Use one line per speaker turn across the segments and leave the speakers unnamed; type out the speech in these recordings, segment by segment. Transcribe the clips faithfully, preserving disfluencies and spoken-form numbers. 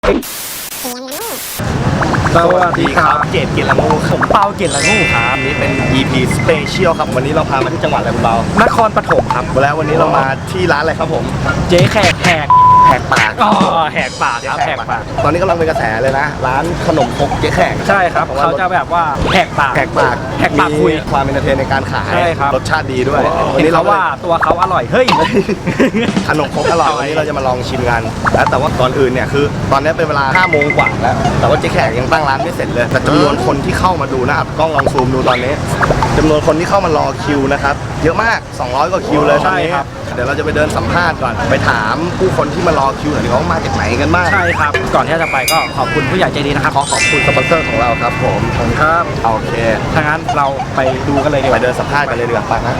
สวัสดีครับเกตเกียรติละงูผมเปาเกียรติละงูครับ
นี่เป็น อี พี Special ครับวันนี้เราพามาที่จังหวัดอะไรคุณเปาน
ครปฐมครับ
แล้ววันนี้เรามาที่ร้านอะไรครับผม
เจ๊แขกแหก
แหกปาก
อ๋อแหกปากครับแหกปาก
ตอนนี้กำลังเป็นกระแสเลยนะร้านขนมครกเจ๊แขก
ใช่ครับเขาจะแบบว่าแหกปาก
แหกปาก
แหกปากคุย
ความเป็นเทนในการขาย
ใช่ครับ
รสชาติดีด้วย
วันนี้เราว่าตัวเขาอร่อยเฮ้ย
ขนมครกอร่อยวันนี้เราจะมาลองชิมกันแล้วแต่ว่าก่อนอื่นเนี่ยคือตอนนี้เป็นเวลาห้าโมงกว่าแล้วแต่ว่าเจ๊แขกยังตั้งร้านไม่เสร็จเลยแต่จำนวนคนที่เข้ามาดูนะครับกล้องลองซูมดูตอนนี้จำนวนคนที่เข้ามารอคิวนะครับเยอะมากสองร้อยกว่าคิวเลยตอนนี้เดี๋ยวเราจะไปเดินสัมภาษณ์ก่อนไปถามผู้คนที่มารอคิวหน่อยว่ามาจากไหนกันบ้าง
ใช่ครับก่อนที่จะไปก็ขอบคุณผู้ใหญ่ใจดีนะครับ
ขอขอบคุณสปอนเซอร์ของเราครับผม
ผมครับ
โอเค
ถ้างั้นเราไปดูกันเลยดีก
ไป
ว่า
เดินสัมภาษณ์กันเลยดีกว่าไปนะ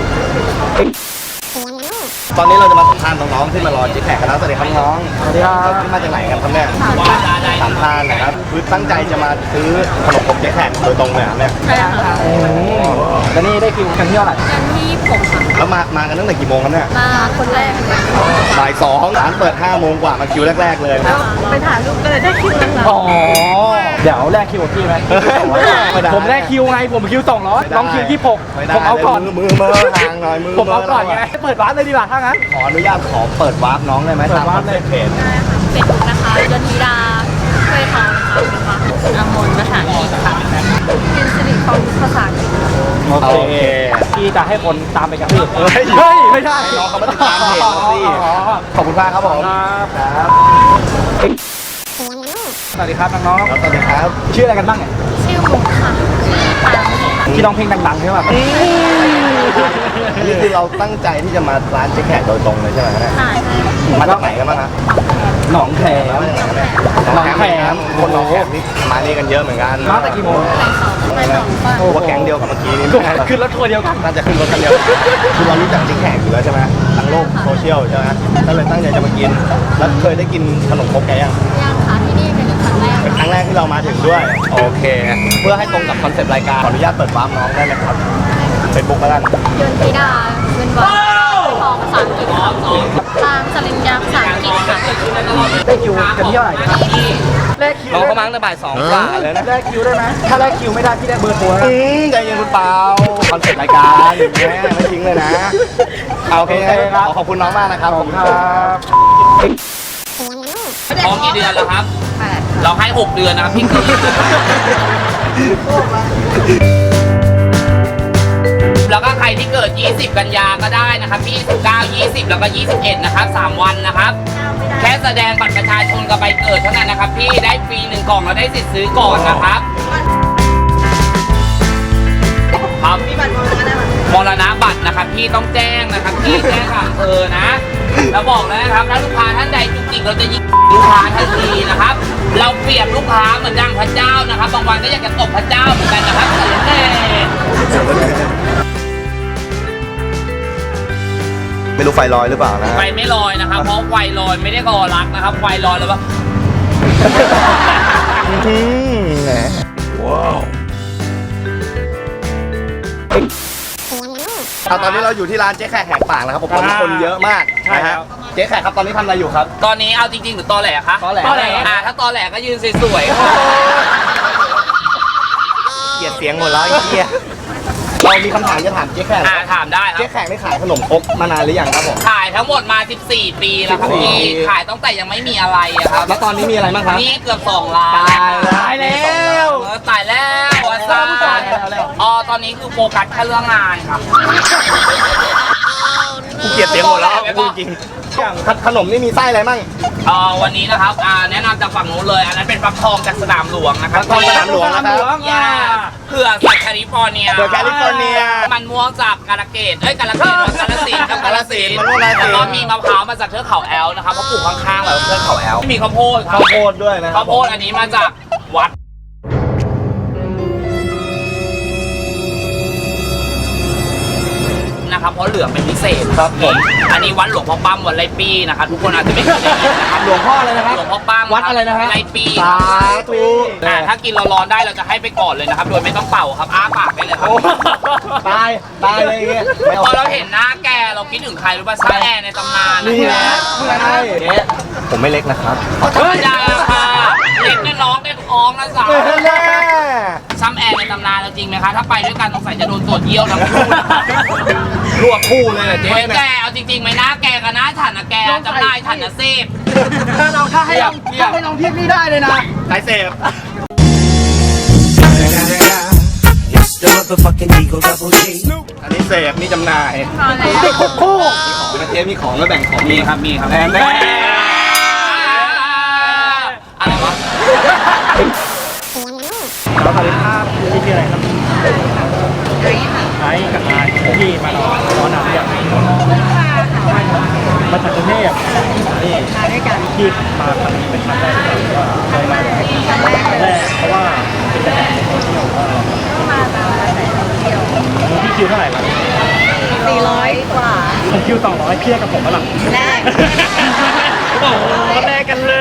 ตอนนี้เราจะมาสัมภาษณ์น้องๆที่มารอเจ๊แขกกันแล้วสวัสดีครับน้อง
สวัสดีครับ
มาจากไหนกันครับเนี่ยสัมภาษณ์นะครับคือตั้งใจจะมาซื้อขนมครกเจ๊แขกโดยตรงเลยครับเนี่ย
ใช่ค่ะ
แล้วนี่ได้คิวกันที่เท่าไหร่
กันที่ผมค่ะ
แล้วมามากันตั้งแต่กี่โมงครับเนี่ย
มาคนแรกเลย
บ่ายสองร้านเปิดห้าโมงกว่ามาคิวแรกๆเลย
แล้วไปถ่ายรูปก็เลยได้คิวแล้วค่ะ
อ๋อเดี๋ยวแลกคิวกับพี่ไหมผมแลกคิวไงผมคิวสองร้อยน้องคิวที่ผมผมเอาก่อน
มือมือทางหน่อยมือ
ผมเอาก่อนไงเปิดร้านเลยดีกว่าถ้างั้น
ขออนุญาตขอเปิดวาร์ปน้องได้ไหมตามคอนเซ็ปต์เพจ
ได้ค่ะเฟซบุ๊กนะคะยนทิดาช่วยเขานะคะอมนภาษาอังกฤษค่ะเป็นสิริพรภาษาอังกฤษ
โอเคพี่จะให้คนตามไปกระทืบ
เฮ้ย
เฮ้ยไม่ใช่
น้องเขามาติดตามเพจเราสิขอบคุณมากครับผม
ครับสวัสดีครับน้อง
ครับสวัสดีครับ
ๆชื่ออะไรกันบ้างเนี่ย
ชื่อมุกค่ะชื่อปาล์มค่ะ
ที่ร้องเพลงดังๆใช่ไหม
นี่คือเราตั้งใจที่จะมาร้านเจ๊แขกโดยตรงเลยใช่ไหมเนี่ย
ค่ะใช่
มาจากไหนกันบ้างฮะ
หนองแขม
หนองแขมคนหนองแขมนี่มานี่กันเยอะเหมือนกัน
มาแต่กี่โมง
ไปสองป่ะ
ว่าแก๊งเดียวกับเมื่อกี้นี่
ขึ้นรถทัวร์เดียวกัน
น่าจะขึ้นรถกันเดียวคือเรารู้จักเจ๊แขกอยู่แล้วใช่ไหมทางโลกโซเชียลใช่ไหมก็เลยตั้งใจจะมากินแล้วเคยได้กินขนมครกแกยัง
ยังค่ะที่นี่เป็นครั้งแรก
เป็นครั้งแรกที่เรามาถึงด้วยโอเค เพื่อให้ตรงกับคอนเซปต์รายการขออนุญาตเปิดวาร์ปน้องได้ไหมครับเฟซบุ๊กแล้วกัน
ยนทิดาเงินวาทองภาษาอังกฤษค่ะตามสลิมยาภาษาอังกฤษค่ะ
ได้คิวกันที่เท่าไหร่นะครับแลกคิว
น้องเขามาตั้งแต่บ่ายสองกว่าเลยนะ
แลกคิวได้ไหมถ้าแลกคิวไม่ได้พี่ได้เบอร์โทรแล้ว
อืมใจเย็นคุณเปาคอนเซปต์รายการอย่างเงี้ยไม่ทิ้งเลยนะเอาโอเคครับขอขอบคุณน้องมากนะครับผมครับ
ท้องกี่เดือนแล้วครับ เราให้หกเดือนนะครับพี่คือแล้วก็ใครที่เกิดยี่สิบกันยาก็ได้นะครับยี่สิบเก้า ยี่สิบแล้วก็ยี่สิบเอ็ดนะครับสามวันนะครับแค่แสดงบัตรประชาชนกับใบเกิดเท่านั้นนะครับพี่ได้ฟรีหนึ่งกล่องแล้วได้สิทธิ์ซื้อก่อนนะครับครับมรณบัตรนะครับพี่ต้องแจ้งนะครับพี่แจ้งกับอำเภอนะแล้วบอกแล้วนะครับถ้าลูกค้าท่านใดจริงๆเราจะยิงลูกค้าทันทีนะครับเราเปรียบลูกค้าเหมือนดังพระเจ้านะครับบางวันก็อยากจะตบพระเจ้าเหมือนกันนะครับเออ
ไม่รู้ไฟลอยหรือเปล่านะ
ไฟไม่ลอยนะครับเพราะไฟลอยไม่ได้รอรักนะครับไฟลอยแล้วว่า
ว้าวตอนนี้เราอยู่ที่ร้านเจ๊แขกแหกปากแล้วครับผมตอนนี้คนเยอะมากนะฮะเจ๊แขกครับตอนนี้ทำอะไรอยู่ครับ
ตอนนี้เอาจริงๆหรือตอแหลคะ
ตอแหล
อ่าถ้าตอแหลก็ยืนสวย
เกลียดเสียงหมดแล้วไอ้เหี้ยเรามีคำถามจะถามเจ๊แขก
ๆอ่าถามได้ครั
เจ๊
บ
แขกได้ขายขนมครกมานานหรือยังครับผม
ขายทั้งหมดมาสิบสี่ปีแล้วครับ
สิบสี่
พี่ขายตั้งแต่ยังไม่มีอะไรอะครับ
แล้วตอนนี้มีอะไรบ้างครับ
นี่เกือบสองล้าน
ตายแล้ว
ตายแล้ว
เออตายแล้วอาจารย์อ๋อตอนนี้คือโฟกัสแค่เรื่องงานครับ
กูเกลียดเสียงหมดแล้วพูดจริงอย่างขนมนี่มีไส้อะไรมั่ง
เอ่อวันนี้นะครับอ่าแนะนำจากฝั่งนู้นเลยอันนั้นเป็นฟักทองจากสนามหลวงนะครับ
ฟักทองสนามหลวงนะครับ
ย่าเผื่อสัตว์แคลิฟอร์เนีย
เผื่อแคลิฟอร์เนีย
มันม่วงจากกาลเกตเอ้ยกาลเกตว่ากาลสินธุ์ครับกาลสินธุ์
มันม่วงกาฬสินธุ์
แล้วก็มีมะพร้าวมาจากเทือกเขาแอลนะครับเขาปลูกข้างๆแบบเทือกเขาแอลมีข้าวโพดครับ
ข้าวโพดด้วยนะครั
ข้าวโพดอันนี้มาจากวัดนนะครับเพราะเหลืองเป็นพิเศษ
ครับผม
อันนี้วัดหลวงพ่อปั้มวัดไรปีนะครับทุกคนอาจจะไม่เคยได้ยินนะครับ
หลวงพ่ออะไรนะครับ
หลวงพ่อปั้ม
วัดอะไรนะฮะ
ไรปี
สาธุ
อ่าถ้ากินร้อนๆได้เราจะให้ไปก่อนเลยนะครับโดยไม่ต้องเป่าครับอ้าปากได้เลยครับ
โอ้ตายตายเลยอย่างเงี้ยไม่
พอเราเห็นหน้าแกเราคิดถึงใครรู้ป่ะซ้าแอร์ในตำนานนะ
นี่
ค
นะ
รับ
ใช่เจ๊
ผมไม่เล็กนะครับ
ธรรมดาค่ะเล็กเนี่ยน้องได้ท้องนะสาว
แน่
ซ้ำแอร์ในตำนานเราจริงไหมคะถ้าไปด้วยกันสงสัยจะโดนตรวจเยี่ยวทั้งคู่นะคะ
รวบคู่เลยแหละเจ๊
เฮ้ยแก
เนี่ย
เอาจริงๆไหมนะแกกับน้าฉันนะแกจำได้ฉันนะเซฟ
ถ้าเราถ้าให้ลองถ้าให้ลองเทียบนี่ได้เลยนะ
สายเสพ
It's the motherfucking Eagle Double G.
อันนี้เสพนี่จำหน่าย
พอแล้ว
ติดคุกคู่
มีของนะเจ๊มีของแล้วแบ่งของ
มีครับมีครับ
แน่แน่
อะไรวะ
เราสวัสดีครับพี่ชื่ออะไรครับไอ้กับนายพี่มานอนนอนหนักอย่างมาจากกรุงเทพนี่มาด้วยกันพี่มาครั้งนี้เป็นครั้งแรกที่ว่าเคยมาครั้งแรกแรกเพราะว่าเป็นแต่โซเชียลก็มาตามกระแสโซเชียลพี่คิวเท่าไหร่ครับ
สี่ร้อยกว่า
ผมคิวสองร้อยเพี้ยกับผมก็หลัง
แรก
โอ้โหแลกกันเลย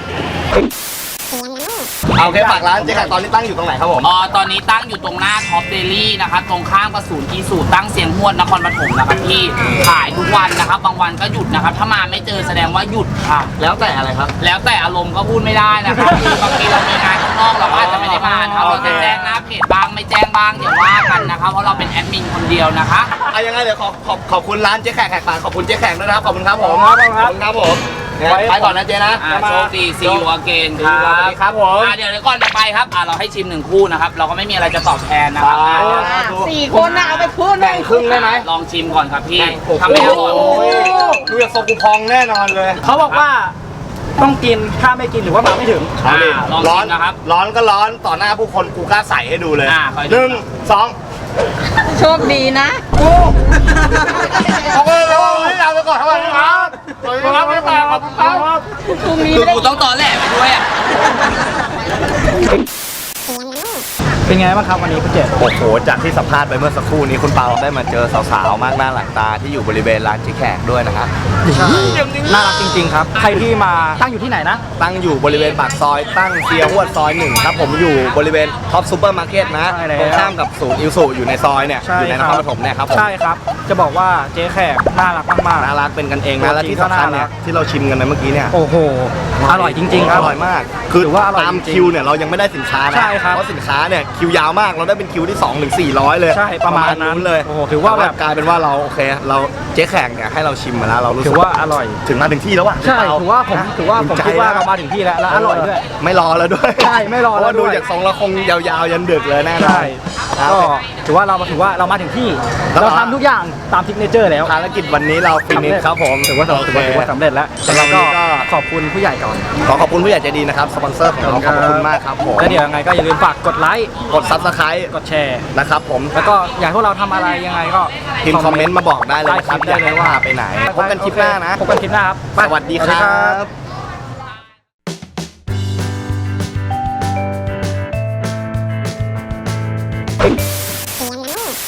เอาโอเคฝากร้านเจ๊แขกตอนนี้ตั้งอยู่ตรงไหนครับผม
อ๋อตอนนี้ตั้งอยู่ตรงหน้าท็อปเดลี่นะครับตรงข้ามกับศูนย์อีสูตรตั้งเสียงหวดนครปฐมนะครับพี่ขายทุกวันนะครับบางวันก็หยุดนะครับถ้ามาไม่เจอแสดงว่าหยุดค่ะ
แล้วแต่อะไรครับ
แล้วแต่อารมณ์ก็พูดไม่ได้นะครับคือบางทีเรามีงานข้างนอกเราก็อาจจะไม่ได้มานะครับเราจะแจ้งหน้าเพจบ้างไม่แจ้งบ้างอย่าว่ากันนะครับเพราะเราเป็นแอดมินคนเดียวนะคะ
เอายังไงเดี๋ยวขอขอบขอบคุณร้านเจ๊แขกแขกปากขอบคุณเจ๊แขกด้วยนะครับขอบคุณครับผม
ขอบ
ข
คุณครับ
อบคุณครับผมเนี่ยไปก่อนนะเจ๊นะ
อ่าโชคดีซีอูอเกนค
ส
รั
วัส
บ
ดีครับผม
อ่าเดี๋ยวเดี๋ยวก่อนจะไปครับอ่าเราให้ชิมหนึ่งคู่นะครับเราก็ไม่มีอะไรจะตอบแทนนะครับ
สี่คนน่ะเอาไปพูดห
แบ่
นึ่
ง
ง
ครึ่งได้ไหม
ลองชิมก่อนครับพี่
โอ้โห
ทำไม่อร่อย
ดูจากทรงกูพองแน่นอนเลย
เขาบอกว่าต้องกินถ้าไม่กินหรือว่ามาไม่ถึง
อ่าลอง
ร้อ
ชิ
น
มนะครับ
ร้อนก็ร้อนต่อหน้าผู้คนกูกล้าใส่ให้ดูเลย
อ่าคอยดู
หนึ่งสอง
โชคดีนะ
ขอบคุณครับให้เราไปก่อนครับสวัสดีครับสวัสดีครับขอบคุณครับ
พรุ่งนี้
คือ
ไม่ได้
กูต้องตอแหลไปด้วยอ่ะ
เป็นไงบ้างครับวันนี้คุณเจษ
โอ้โหจากที่สัมภาษณ์ไปเมื่อสักครู่นี้คุณเปาได้มาเจอสาวๆมากหน้าหลังตาที่อยู่บริเวณร้านเจ๊แขกด้วยนะครับ
น่ารักจริงๆครับ ใครที่มาตั้งอยู่ที่ไหนนะ
ตั้งอยู่บริเวณปากซอยตั้งเซียหวดซอยหนึ่งครับผมอยู่บริเวณท็อปซูเปอร์มาร์เก็ตนะ
ใช่แล้ว
ตรงข้ามกับศูนย์อิวสุอยู่ในซอยเนี่ยอยู่ในนครปฐมเนี่ยครับผม
ใช่ครับ จะบอกว่าเจ๊แขกน่ารักมากๆ
น่ารักเป็นกันเอง
ตัว
นะและ
จริง
ที่สำคัญเนี่ย
ก็น่ารัก
ที่เราชิมกันไปเมื่อกี้เนี่ย
โอ้โห อร่อยจริงๆครับ
อร่อยมากคือ
ถือว่าอร่อย
ตาม
จริงๆ
คิวเนี่ยเรายังไม่ได้สินค้านะ
ใช่ครับ
เพราะสินค้าเนี่ยคิวยาวมากเราได้เป็นคิวที่สองถึงสี่ร้อยเลย
ใช่ประมาณนั้น
เลย
โอ้โหถือว่าแบบ
กลายเป็นว่าเราโอเคเราเจ๊แขกเนี่ยให้เราชิมมาแล้วเรารู้สึ
ถื
ก
อว่าอร่อย
ถึงมาถึงที่แล้วว่ะ
ใช่
พี่เป
ถือว่าผม
นะ
ถือว่าผม
ภูใจ
คิดว่า
นะ
เรามาถึงที่แล้วและอร่อยด้วย
ไม่รอแล้วด้วย
ใช่ไม่รอแล้ว
เพาะาดู
ด้วย
จากทรงเราคงยาวๆยันดึกเลยแน่นอน
ใช่
ครับ
ก็ถือว่าเราถือว่าเรามาถึงที่
แล้ว
เราทำทุกอย่างตามทิกเนเจอร์แล้ว
ภารกิจวันนี้เราฟินิชครับผม
ถือว่าถือว่าถือว่าถือว่าสำเร็จแล้ว
สำหรับวันนี้ก็
ขอบคุณผู้ใหญ่ก่อน
ขอขอบคุณผู้ใหญ่ใจดีนะครับสปอนเซอร์ของเราขอบคุณมากครับผม
แล้วเดี๋ยวยังไงก็อย่าลืมฝากกดไลค์
กดซับสไครต์
กดแชร์
นะครับผม
แล้วก็อยากให้พวกเราทำอะไรยังไงก็
พิมพ์คอมเมนต์มาบอกได้เลยนะครับ
ได้เลยว่า
อยกให้พไปไหนพบกันคลิปหน้านะ
พบกันคลิปหน้าครับไป
สวัสดีค
สวัสดี
รับ